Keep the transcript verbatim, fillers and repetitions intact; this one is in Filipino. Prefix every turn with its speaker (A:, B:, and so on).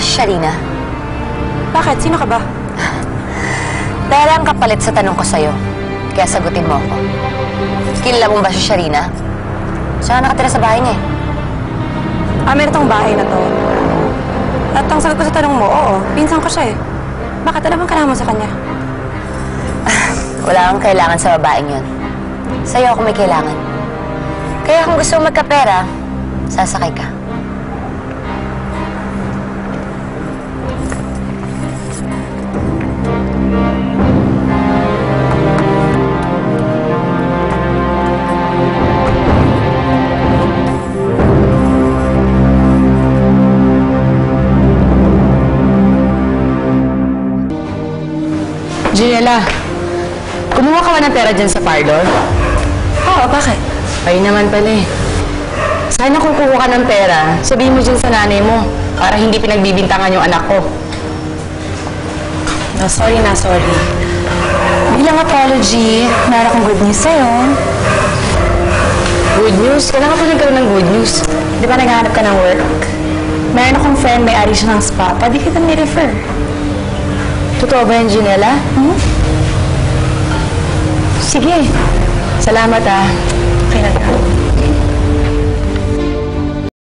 A: si Sharina?
B: Bakit? Sino ka ba?
A: Pera ang kapalit sa tanong ko sa'yo. Kaya sagutin mo ako. Kilala mo ba si Sharina? Saan nakatira sa bahay niya eh?
B: Ah, meron tong bahay na to. At ang sagot ko sa tanong mo, oo, pinsan ko siya eh. Bakit? Ano bang kailangan mo sa kanya?
A: Wala kang kailangan sa babaeng yun. Sa'yo ako may kailangan. Kaya kung gusto mo magkapera, sasakay ka.
C: Ginela, kumuha ka ba ng pera dyan sa parlor?
B: Oo, bakit?
C: Ayun naman pala eh. Sana kung kukuha ka ng pera, sabihin mo dyan sa nanay mo para hindi pinagbibintangan yung anak ko.
B: No, sorry na, sorry. Bilang apology, meron akong good news sa'yo.
C: Good news? Kailangan ko nagkaroon ng good news.
B: Di ba naghahanap ka ng work? Meron akong friend, may-ari siya ng spa. Pwede kita ni-refer.
C: Totoo ba yan, Ginela?
B: Hmm?
C: Sige. Salamat ah.
B: Okay na.